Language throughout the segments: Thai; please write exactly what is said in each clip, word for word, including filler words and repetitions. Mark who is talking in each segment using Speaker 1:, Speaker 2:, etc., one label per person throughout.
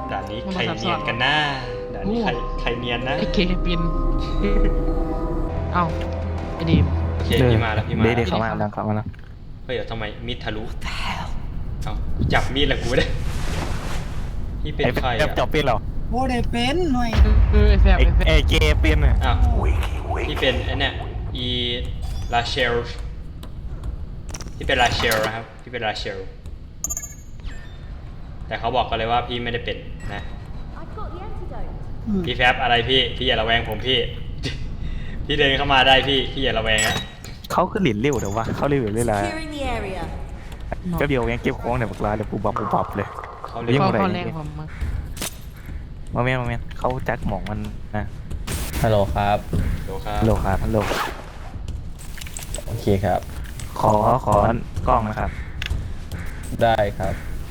Speaker 1: ด่านนี้ใครเนียนกันนะด่านนี้ใครใครเนียนนะ
Speaker 2: ไอเคปินเอ้าไอดีม
Speaker 1: โอเคพี่มาแล้วพี่มา
Speaker 3: เดี๋ยวเขามาดังเขามาแล้ว
Speaker 1: เฮ้ยเดี๋ยวทำไมมีดทะลุเอ้าจับมีดแล้วกูได้พี่เป็นใคร
Speaker 3: ไอ้
Speaker 1: อ่ะ
Speaker 3: จอบเป็นเหรอ
Speaker 4: โอ้ได้เป็นหน่อย
Speaker 2: เออไอแฟบ
Speaker 3: ไอ้
Speaker 2: ไอแฟบ
Speaker 3: ไอ้เจเป็นอ่ะ
Speaker 1: อ้าวพี่เป็นไอ้เนี่ยอีลาเชลพี่เป็นลาเชลนะครับพี่เป็นลาเชลแต่เขาบอกกันเลยว่าพี่ไม่ได้เป็นนะ
Speaker 5: I've got the antidote.
Speaker 1: พี่แฟบอะไรพี่พี่อย่าระแวงผมพี่ พี่เดินเข้ามาได้พี่พี่อย่าระแวงฮะ
Speaker 3: เขาขึ้นหลินเร็วเดี๋ยววะเขาเร็วเรื่อย
Speaker 5: Clearing the area.
Speaker 3: ๆก็เดียวยังเก็บของเนี่ยบักลาเดี๋ยวปูบับปูบับเลย
Speaker 1: เขา
Speaker 3: เรี
Speaker 1: เรีย
Speaker 3: ย
Speaker 1: ก
Speaker 3: ก
Speaker 2: เขา
Speaker 3: อะไร
Speaker 2: เขาแรงผมมา
Speaker 3: มาเมียนมาเมียนเขาจักหมองมันนะ
Speaker 6: ฮัลโหลครับ
Speaker 1: โลครับ
Speaker 3: ฮัลโหลครับฮัลโหล
Speaker 6: โอเคครับ
Speaker 3: ขอขอกล้องนะครับ
Speaker 6: ได้ครับ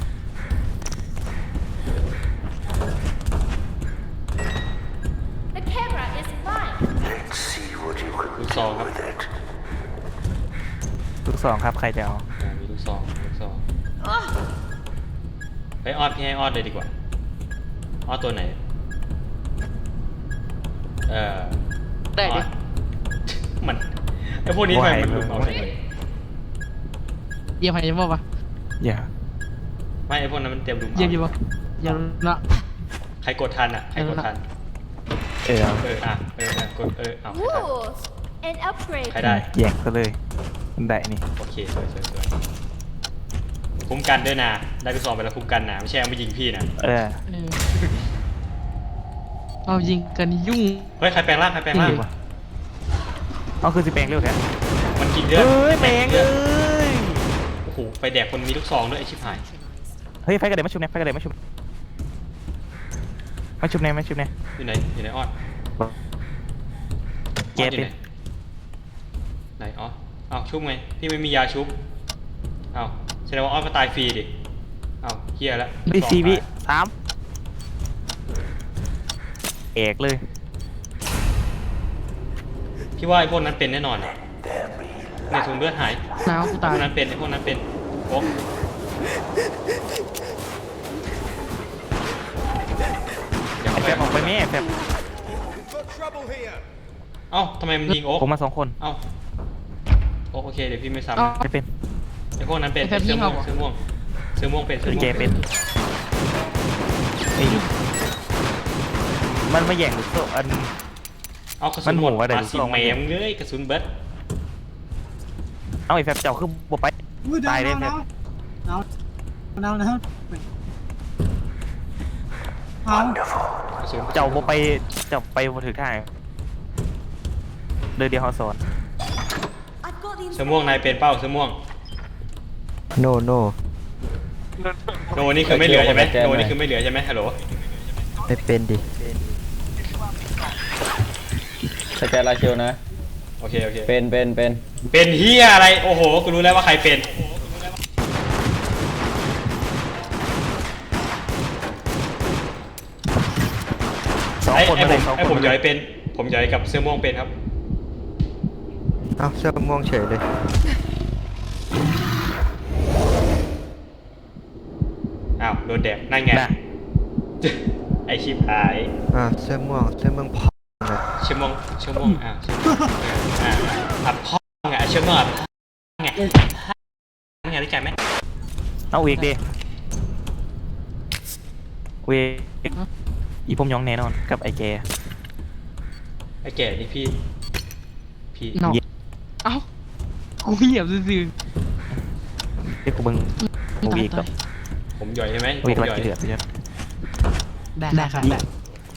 Speaker 5: The camera is mine.
Speaker 1: ลูกซองครับ
Speaker 3: ลูกสองครับใครจะเอา
Speaker 1: อ่ามีลูกซองลูกซองเฮ้ยออดพี่ให้ออดเลยดีกว่าออดตัวไหนเออ
Speaker 2: ได้
Speaker 1: อ
Speaker 2: ดิ
Speaker 1: อด มันไอพวกนี้ทำไมมันหลุดเอาเลย
Speaker 2: เยี่ยมใครจะบอกปะ
Speaker 3: อย่า
Speaker 1: ไม่ไอพวกนั้นมันเตรียมดุม
Speaker 2: เยี่ยม
Speaker 1: เอา
Speaker 2: จะบอกเยี่ยมละ
Speaker 1: ใครกดทันอ่ะใครกดทัน
Speaker 3: เออเอา
Speaker 1: เอออ่ะเออเออกดเออเอาใครทัน
Speaker 5: Ooh, an upgrade.
Speaker 1: ใครได้
Speaker 3: แย่งซะเลยมันได้นี่
Speaker 1: โอเคสวยสวยสวยคุ้มกันด้วยนะได้ไปสองไปแล้วคุ้มกันนะไม่ใช่เอามายิงพี่นะ
Speaker 3: เออ
Speaker 2: เออเอายิงกันยุ่ง
Speaker 1: เฮ้ยใครแปลงร่างใครแปลงร่าง
Speaker 3: ดีว่ะเอาคือสิแปลงเร็วแท้
Speaker 1: มันกินเลือด
Speaker 3: เอ้ยแปลง
Speaker 1: ลื
Speaker 3: เอ้
Speaker 1: อด
Speaker 3: ย
Speaker 1: โอ้โหไปแดกคนมีลูกซองด้วยไอชิบหาย
Speaker 3: เฮ้ยไฟกระเด็นมาชุบเนี่ยไฟกระเด็นมาชุบมาชุบเนี่ยมาชุบเนี่ย
Speaker 1: อยู่ไหนอยู่ไหนออด
Speaker 3: เจเป็น
Speaker 1: ไหนอ๋อเอาชุบไงพี่ไม่มียาชุบเอาแสดงว่าออดก็ตายฟรีดิเอาเฮียแล้ว
Speaker 3: ดีซีวิสามเอกเลย
Speaker 1: พี่ว่าไอ้พวกนั้นเป็นแน่นอนอะในถุงเลือดหาย
Speaker 2: หนาวกู
Speaker 1: ไอ้
Speaker 2: ตา
Speaker 1: พ
Speaker 2: ยว
Speaker 1: กนั้นเป็นไอ้พวกนั้นเป็นโอ๊กอย่า
Speaker 3: ไอ้
Speaker 1: เข้า
Speaker 3: แฟ
Speaker 1: ไป
Speaker 3: บออกไปแม่แฟบ
Speaker 1: เอ้าทำไมมันยิงโอ๊ก
Speaker 3: ผมมาสองคน
Speaker 1: เอ้าโอ๊กโอเคเดี๋ยวพี่ไม่ซ้ำ
Speaker 2: เอา
Speaker 3: ไม่เป็น
Speaker 1: ไอ้พวกนั้นเป็น
Speaker 2: ไอ้แฟบ
Speaker 1: เสื้อม่วง
Speaker 2: ยิงเอาเหรอ
Speaker 1: เสื้อม่วงเสื้อม่วงเป็นเสื้อม่วง
Speaker 3: เจเป็นไอ้มันมาแย่งลูกโซ่อัน
Speaker 1: เอากระสุ
Speaker 3: มัน น
Speaker 1: หมด
Speaker 3: หัวอะไร
Speaker 1: มา
Speaker 3: ลูก
Speaker 1: สิ
Speaker 3: ซอง
Speaker 1: แมมเลยกระสุนเบิร์ด
Speaker 3: เอาไอ้แฟบเจ้าคือบ่ไป
Speaker 4: อุ้ยดา
Speaker 3: ตายว เลย
Speaker 4: ดาว
Speaker 3: แฟบ
Speaker 4: ดาวดาวดาวนะครับเอา
Speaker 1: กระสุน
Speaker 3: เจ้าบ่ไปเจ้าไปบ่ถึงท่าเดินเดียวเขาสอน
Speaker 5: I've got the
Speaker 1: เสื้อม่วงนายเป็นเป้าเสื้อม่วง
Speaker 3: no no
Speaker 1: โนนี่คือไม่เหลือใช่ไหม
Speaker 6: แก้หน่
Speaker 1: โน
Speaker 6: อย
Speaker 1: นี่คือไม่เหลือใช่ไหมฮัลโหล
Speaker 3: ไม่เป็นดิ
Speaker 6: สแกนลาเชลนะ
Speaker 1: โอเคโอเค
Speaker 6: เป็นเป็นเป็น
Speaker 1: เป็นเฮียอะไรโอ้โหกูรู้แล้วว่าใครเป็น
Speaker 3: สอง
Speaker 1: ไอ้
Speaker 3: คน
Speaker 1: ไอ้
Speaker 3: มา
Speaker 1: ผ
Speaker 3: เลย
Speaker 1: ม
Speaker 3: สอง
Speaker 1: ไอ้
Speaker 3: ค
Speaker 1: ผ
Speaker 3: น
Speaker 1: มย้อยเป็น ผมย้อยกับเสื้อม่วงเป็นครับ
Speaker 3: เอ้าเสื้อม่วงเฉยเลย
Speaker 1: อ้าวโดนแดกนั่นไง
Speaker 3: น่ะ
Speaker 1: ไอชิบหาย
Speaker 7: อ่าเสื้อม่วงเสื้อม่วงพอเลย
Speaker 1: เชื่อม่วงเชื่อม่วงอ่าเชื่อม่วงอ่าอ่ะพ่อไงเชื่อม่วงอ่ะพ่อไงพ่อไงรู้จักไหม
Speaker 3: เอาอีกดิเวกอีผมยองแน่นอนกับไอ้แก
Speaker 1: ไอ้แก่นี่พี่ พี่
Speaker 2: เนาะเอ้ากูเหยียบซื่อ
Speaker 3: เรียกกูเบิ้ง
Speaker 2: ๆ
Speaker 3: เอาอีก
Speaker 2: ตา
Speaker 3: ก็
Speaker 2: ย
Speaker 1: ผมย่อยใช่ไหมผ
Speaker 3: เอาอีก
Speaker 1: ม
Speaker 3: ละ
Speaker 1: ย่อย
Speaker 3: กี่เดือดไปจ้ะ
Speaker 2: ได้ได้ครับได้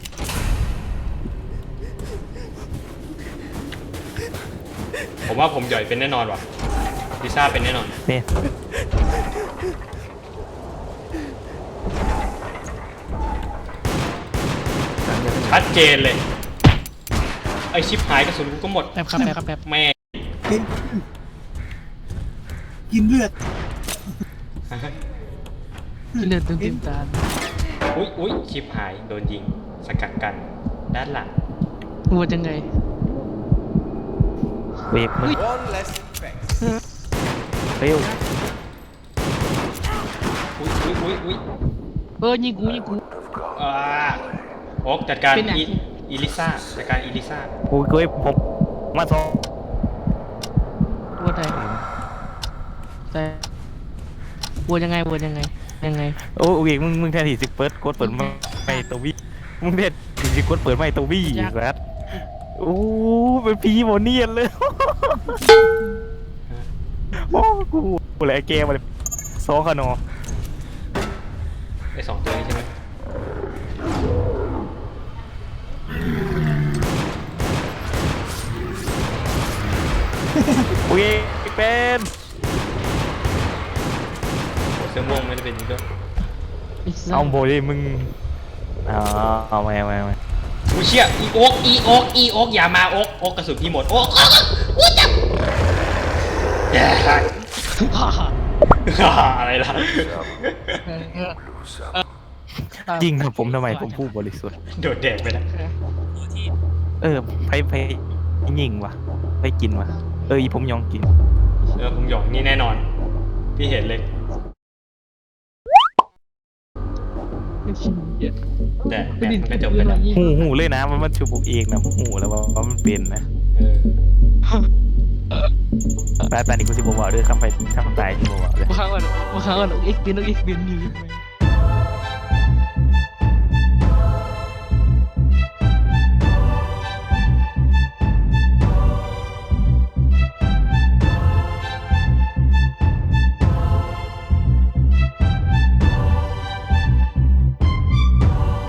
Speaker 1: ผมว่าผมย่อยเป็นแน่นอนว่ะลิซ่าเป็นแน่นอน
Speaker 3: เนี่ย
Speaker 1: ชัดเจนเลย ไอชิบหายกระสุนกูก็หมด
Speaker 2: แป๊บครับแป๊บครับแป๊บ
Speaker 1: แม่
Speaker 4: เป็นกินเลือด
Speaker 2: กินเลือดเต็มเต็มตา
Speaker 1: อุ้ยอุ้ยชิบหายโดนยิงสกัดกันด้านหลัง
Speaker 2: หัวจังไง
Speaker 3: เวกมึงเร็ว
Speaker 1: อุ้ยอุ้ยอุ้ยอุ้ย
Speaker 2: เออยิงกูยิงกู
Speaker 1: อ่าโอ๊กจัดการ
Speaker 2: เป็นไง
Speaker 1: อีอีลิซ่าจัดการอีลิซ่า
Speaker 3: กูเคยผมมาสอง
Speaker 2: วนอะไรแต่วนยังไงวนยังไงยังไง
Speaker 3: โอ้ยมึงมึงแทนที่สิเปิดกดเปิดไม่ตัววี่มึงแทนที่สิกดเปิดไม่ตัววี่อีกแล้วโอ้เป็นพีโมเนียนเลยโอ้กูกูเลยเกมมาเลยโซคานอ
Speaker 1: ไอสองตัวนี้ใช่ไหม
Speaker 3: โอเคเป็น
Speaker 1: เสื้อม่วงไม่ได้เป็นอย่างนี้ด้วย
Speaker 3: เอาโบดิมึงเอาเอาไม่เอาไม่เอาไม่
Speaker 1: กูเชี่ยอีโอ๊กอีโอ๊กอีโอ๊กอย่ามาโอ๊กโอ๊กกระสุนพี่หมดโอ๊กโอ๊กโอ๊กจับแย่อะไรล่ะ
Speaker 3: ยิงครับผมทำไมผมพูดบริสุทธิ์
Speaker 1: โดดแดกไปแล้ว
Speaker 3: เออไปไปยิงวะไปกินวะเอออีผมยองกิน
Speaker 1: เออผมหยองนี่แน่นอน พี่เห็นเลย แต่แต่มันก็จบไปแล้ว
Speaker 3: หูหูเลยนะมันมันชูบุกเองนะหูแล้วว่าว่ามันเป็นนะ
Speaker 1: เออ
Speaker 3: แต่ตอนนี้กูสิบอกว่าเด้อคำไปคำตายที่บอกว่าเลย
Speaker 2: ว่าเขาว่าว่าเขาว่าเอ็กซ์บินเอ็กซ์บินนี่